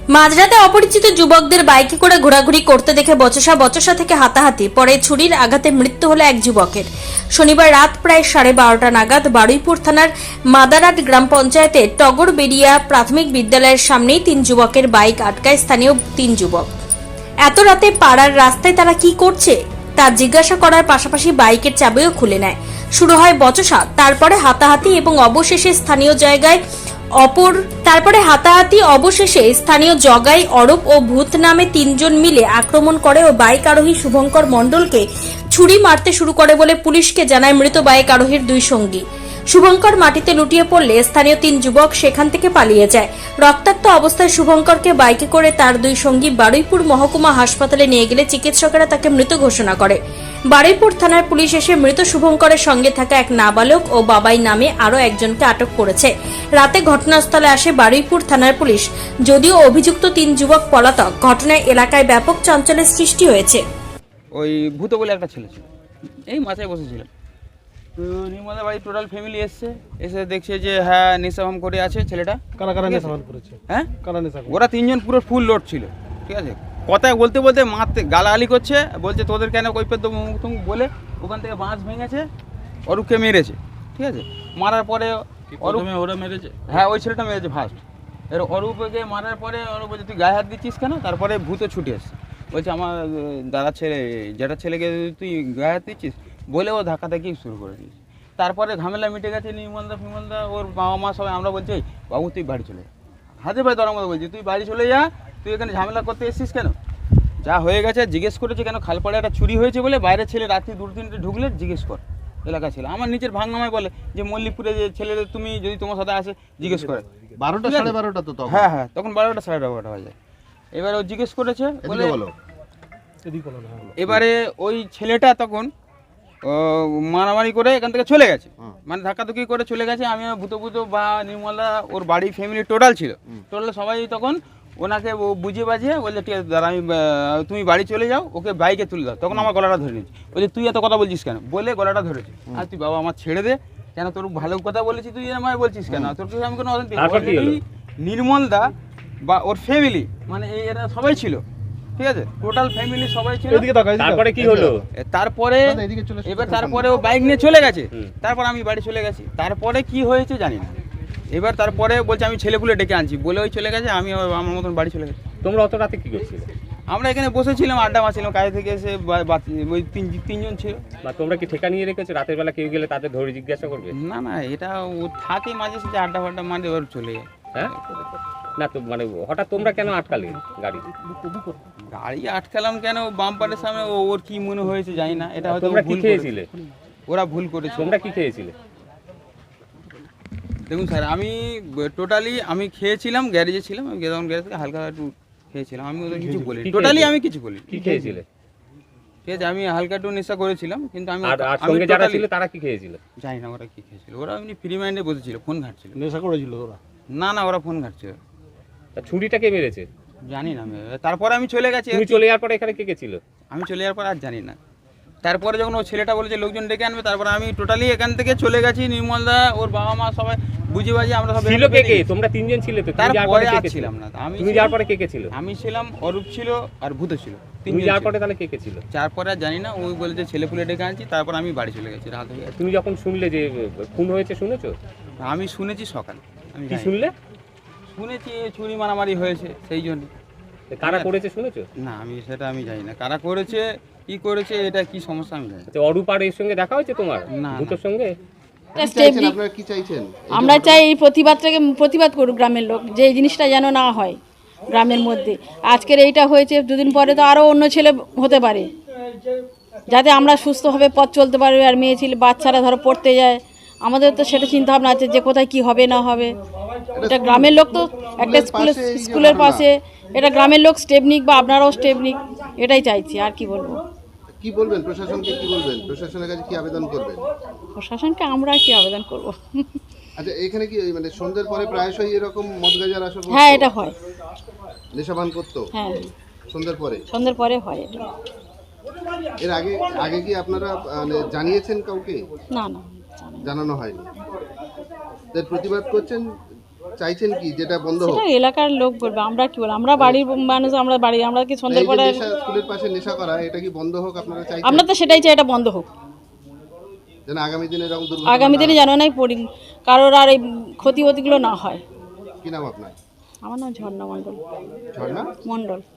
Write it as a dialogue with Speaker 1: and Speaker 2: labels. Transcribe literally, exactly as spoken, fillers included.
Speaker 1: মাঝরাতে অপরিচিত যুবকদের বাইকে করে ঘোরাঘুরি করতে দেখে বচসা বচসা থেকে হাতাহাতি, পরে ছুরির আঘাতে মৃত্যু হলো এক যুবকের। শনিবার রাত প্রায় সাড়ে বারোটা নাগাদ বারুইপুর থানার মাদারাট গ্রাম পঞ্চায়েতের টগরবেড়িয়া প্রাথমিক বিদ্যালয়ের সামনেই তিন যুবকের বাইক আটকায় স্থানীয় তিন যুবক। এত রাতে পাড়ার রাস্তায় তারা কি করছে তা জিজ্ঞাসা করার পাশাপাশি বাইকের চাবিও খুলে নেয়। শুরু হয় বচসা, তারপরে হাতাহাতি এবং অবশেষে স্থানীয় জায়গায় অপর তারপরে হাতাহাতি অবশেষে স্থানীয় জগাই, অরূপ ও ভূত নামে তিনজন মিলে আক্রমণ করে ও বাইক আরোহী শুভঙ্কর মণ্ডলকে ছুরি মারতে শুরু করে বলে পুলিশকে জানায় মৃত বাইক আরোহীর দুই সঙ্গী। শুভঙ্কর মাটিতে লুটিয়ে পড়লে স্থানীয় তিন যুবক সেখান থেকে পালিয়ে যায়। রক্তাক্ত অবস্থায় শুভঙ্করকে বাইকে করে তার দুই সঙ্গী বারুইপুর মহকুমা হাসপাতালে নিয়ে গেলে চিকিৎসকেরা তাকে মৃত ঘোষণা করে। বারুইপুর থানার পুলিশ এসে মৃত শুভঙ্করের সঙ্গে থাকা এক নাবালক ও বাবাই নামে আরও একজনকে আটক করেছে। রাতে ঘটনাস্থলে আসে বারুইপুর থানার পুলিশ। যদিও অভিযুক্ত তিন যুবক পলাতক, ঘটনায় এলাকায় ব্যাপক চাঞ্চল্যের সৃষ্টি হয়েছে।
Speaker 2: ওই ভূত বলে একটা ছেলে ছিল, এই মাথায় বসেছিল। তো নির্মলা বাড়ি টোটাল ফ্যামিলি এসছে, এসে দেখছে যে হ্যাঁ নেশাভাম করে আছে ছেলেটা।
Speaker 3: কারা কারা নেশাভাম করেছে?
Speaker 2: হ্যাঁ,
Speaker 3: কারা নেশা?
Speaker 2: ওরা তিনজন পুরো ফুল লোড ছিল, ঠিক আছে। কথায় বলতে বলতে মারতে গালাগালি করছে, বলছে তোদের কেন কৈফিয়ত দেবো মুখ তুম বলে ওখান থেকে বাঁশ ভেঙেছে, অরূপকে মেরেছে, ঠিক আছে। মারার পরে অরূপে ওরা মেরেছে, হ্যাঁ ওই ছেলেটা মেরেছে ফার্স্ট। এর অরূপকে মারার পরে অরূপ বলছে তুই গায়ে হাত দিচ্ছিস কেন? তারপরে ভূত ছুটে এসছে, বলছে আমার দাদার ছেলে যেটা ছেলেকে তুই গায়ে হাত দিচ্ছিস বলে ও ধাক্কা ধাক্কি শুরু করে দিয়েছে। তারপরে ঝামেলা মিটে গেছে, নির্মলদা ফিমলদা ওর বাবা মা সবাই আমরা বলছি বাবু তুই বাড়ি চলে যা, হাতে ভাই ধরার মতো বলছি তুই বাড়ি চলে যা, তুই এখানে ঝামেলা করতে এসেছিস কেন? যা হয়ে গেছে জিজ্ঞেস করেছে কেন খালপাড়ে একটা চুরি হয়েছে বলে, বাইরের ছেলে রাত্রি দু তিনটে ঢুকলে জিজ্ঞেস কর এলাকা ছিল। আমার নিচের ভাঙনামায় বলে যে মল্লিকপুরে যে ছেলেদের তুমি যদি তোমার সাথে আসে জিজ্ঞেস করে
Speaker 4: বারোটা সাড়ে বারোটা তো তখন।
Speaker 2: হ্যাঁ হ্যাঁ তখন বারোটা সাড়ে বারোটা হয়ে যায়। এবারে ও জিজ্ঞেস করেছে বলে এবারে ওই ছেলেটা তখন মারামারি করে এখান থেকে চলে গেছে, মানে ধাক্কাধুকি করে চলে গেছে। আমি ভূত ভূত বা নির্মলা ওর বাড়ি ফ্যামিলি টোটাল ছিল, টোটাল সবাই তখন ওনাকে বুঝিয়ে বাজিয়ে বলছে ঠিক আছে দাদা আমি তুমি বাড়ি চলে যাও, ওকে বাইকে তুলে দাও। তখন আমার গলাটা ধরে নিয়েছি, বলছে তুই এত কথা বলছিস কেন বলে গলাটা ধরেছে। আর তুই বাবা আমার ছেড়ে দে, কেন তোর ভালো কথা বলেছি তুই আমায় বলছিস কেন? তোর কিছু আমি কোনো নির্মলদা বা ওর ফ্যামিলি মানে এই এরা সবাই ছিল, ঠিক আছে, টোটাল ফ্যামিলি সবাই ছিল।
Speaker 5: তারপরে কি হলো?
Speaker 2: তারপরে এবার তারপরে ও বাইক নিয়ে চলে গেছে, তারপর আমি বাড়ি চলে গেছি। তারপরে কি হয়েছে জানি না। এবার তারপরে বলছে আমি ছেলেপুলে ডেকে আনছি বলে ওই চলে গেছে, আমি আমার মতন বাড়ি চলে গেছি।
Speaker 5: তোমরা অত রাতে কি করছিলে?
Speaker 2: আমরা এখানে বসেছিলাম, আড্ডা মারছিলাম, কাজে থেকে এসে ওই তিন তিনজন ছিল।
Speaker 5: বা তোমরা কি ঠেকা নিয়ে রেখেছো? রাতের বেলা কেউ গেলে তাদের ধরে জিজ্ঞাসা করবে?
Speaker 2: না না, এটা ও থাকে মাঝে সাঝে আড্ডা ফাড্ডা মারে এবার চলে যায়।
Speaker 5: হ্যাঁ না তো মানে হঠাৎ তোমরা কেন আটকালে গাড়ি?
Speaker 2: গাড়ি আটকালাম কেন, বাম্পারের সামনে ওর কি মনে হয়েছে জানি না। এটা হয়তো
Speaker 5: তোমরা কি খেয়েছিলে?
Speaker 2: ওরা ভুল করেছে।
Speaker 5: তোমরা কি খেয়েছিলে?
Speaker 2: দেখুন স্যার, আমি টোটালি আমি খেয়েছিলাম, গ্যারেজে ছিলাম, আমি তখন গ্যারেজ থেকে হালকা একটু খেয়েছিলাম, আমি ওদের কিছু বলি টোটালি আমি কিছু বলি।
Speaker 5: কি খেয়েছিলে?
Speaker 2: ঠিক আছে, আমি হালকা একটু নেশা করেছিলাম, কিন্তু আমি
Speaker 5: আর সঙ্গে যারা ছিল তারা কি খেয়েছিল
Speaker 2: জানি না। ওরা কি খেয়েছিল, ওরা এমনি ফ্রি মাইন্ডে বসেছিল, ফোন ঘাটছিল।
Speaker 3: নেশা করেছিল ওরা?
Speaker 2: না না, ওরা ফোন ঘাটছিল।
Speaker 5: তা ছুরিটা কে মেরেছে
Speaker 2: জানি না। তারপরে আমি চলে গেছি।
Speaker 5: তুমি চলে যাওয়ার পরে এখানে কে কে ছিল?
Speaker 2: আমি চলে যাওয়ার পর আর জানি না। তারপরে যখন ও ছেলেটা বলেছে লোকজন ডেকে আনবে, তারপরে আমি টোটালি এখান থেকে চলে গেছি। নির্মলদা ওর বাবা মা সবাই বুঝে বাজি আমরা সব
Speaker 5: ছিল। কে কে? তোমরা তিনজন ছিলে তো?
Speaker 2: তারপরে আর ছিলাম না। আমি
Speaker 5: তুমি যাওয়ার পরে কে কে ছিল?
Speaker 2: আমি ছিলাম, অরূপ ছিল আর ভূত ছিল।
Speaker 5: তুমি যাওয়ার পরে তাহলে কে কে ছিল?
Speaker 2: তারপরে আর জানি না। ওই বলেছে ছেলেপুলে ডেকে আনছি, তারপর আমি বাড়ি চলে গেছি রাত হয়ে গেছে।
Speaker 5: তুমি যখন শুনলে যে খুন হয়েছে শুনেছো?
Speaker 2: আমি শুনেছি সকালে। আমি
Speaker 5: কি শুনলে?
Speaker 2: শুনেছি ছুরি মারামারি হয়েছে, সেই জন্য।
Speaker 5: কারা করেছে শুনেছো?
Speaker 2: না আমি সেটা আমি জানি না কারা করেছে, কি করেছে, এটা কি সমস্যা আমি জানি না।
Speaker 5: অরূপ আর এর সঙ্গে দেখা হয়েছে তোমার?
Speaker 2: না।
Speaker 5: ভূতের সঙ্গে?
Speaker 4: কি চাইছেন?
Speaker 6: আমরা চাই এই প্রতিবাদটাকে প্রতিবাদ করুক গ্রামের লোক, যে এই জিনিসটা যেন না হয় গ্রামের মধ্যে। আজকের এইটা হয়েছে, দুদিন পরে তো আরও অন্য ছেলে হতে পারে, যাতে আমরা সুস্থভাবে পথ চলতে পারবে। আর মেয়ে ছেলে বাচ্চারা ধরো পড়তে যায়, আমাদের তো সেটা চিন্তা ভাবনা আছে যে কোথায় কি হবে না হবে। এটা গ্রামের লোক তো একটা স্কুলের স্কুলের পাশে, এটা গ্রামের লোক স্টেপ নিক বা আপনারাও স্টেপ নিক, এটাই চাইছি। আর কি বলবো?
Speaker 4: কি বলবেন প্রশাসনকে? কি বলবেন প্রশাসনের কাছে? কি আবেদন করবেন
Speaker 6: প্রশাসনকে আমরা কি আবেদন করব?
Speaker 4: আচ্ছা, এখানে কি মানে সন্ধ্যের পরে প্রায়শই এরকম মদ গাঁজার আসর?
Speaker 6: হ্যাঁ এটা হয়।
Speaker 4: নেশাপান করতো?
Speaker 6: হ্যাঁ
Speaker 4: সন্ধ্যের পরে?
Speaker 6: সন্ধ্যের পরে হয় এটা।
Speaker 4: এর আগে আগে কি আপনারা মানে জানিয়েছেন কাউকে?
Speaker 6: না না,
Speaker 4: জানানো হয়নি। এর প্রতিবাদ করছেন চাইছেন কি যেটা বন্ধ হোক?
Speaker 6: সেটা এলাকার লোক বলবে, আমরা কি বলবো, আমরা বাড়ির মানুষ, আমরা বাড়ি, আমরা কি সন্ধ্যের
Speaker 4: এই যে
Speaker 6: পরে,
Speaker 4: নেশা, স্কুলের পাশে নেশা করা, এটা কি বন্ধ হোক আপনারা চাইছেন?
Speaker 6: আমরা তো সেটাই চাই, এটা বন্ধ হোক।
Speaker 4: যেন আগামী দিনে এরকম দুর্ঘটনা
Speaker 6: আগামী
Speaker 4: না
Speaker 6: দিনে
Speaker 4: হয়।
Speaker 6: যেন নাই পরি কারোর আর এই ক্ষতি ক্ষতিগুলো না হয়।
Speaker 4: কি নাম আপনার?
Speaker 6: আমার নাম ঝর্ণা মণ্ডল
Speaker 4: ঝর্ণা
Speaker 6: মণ্ডল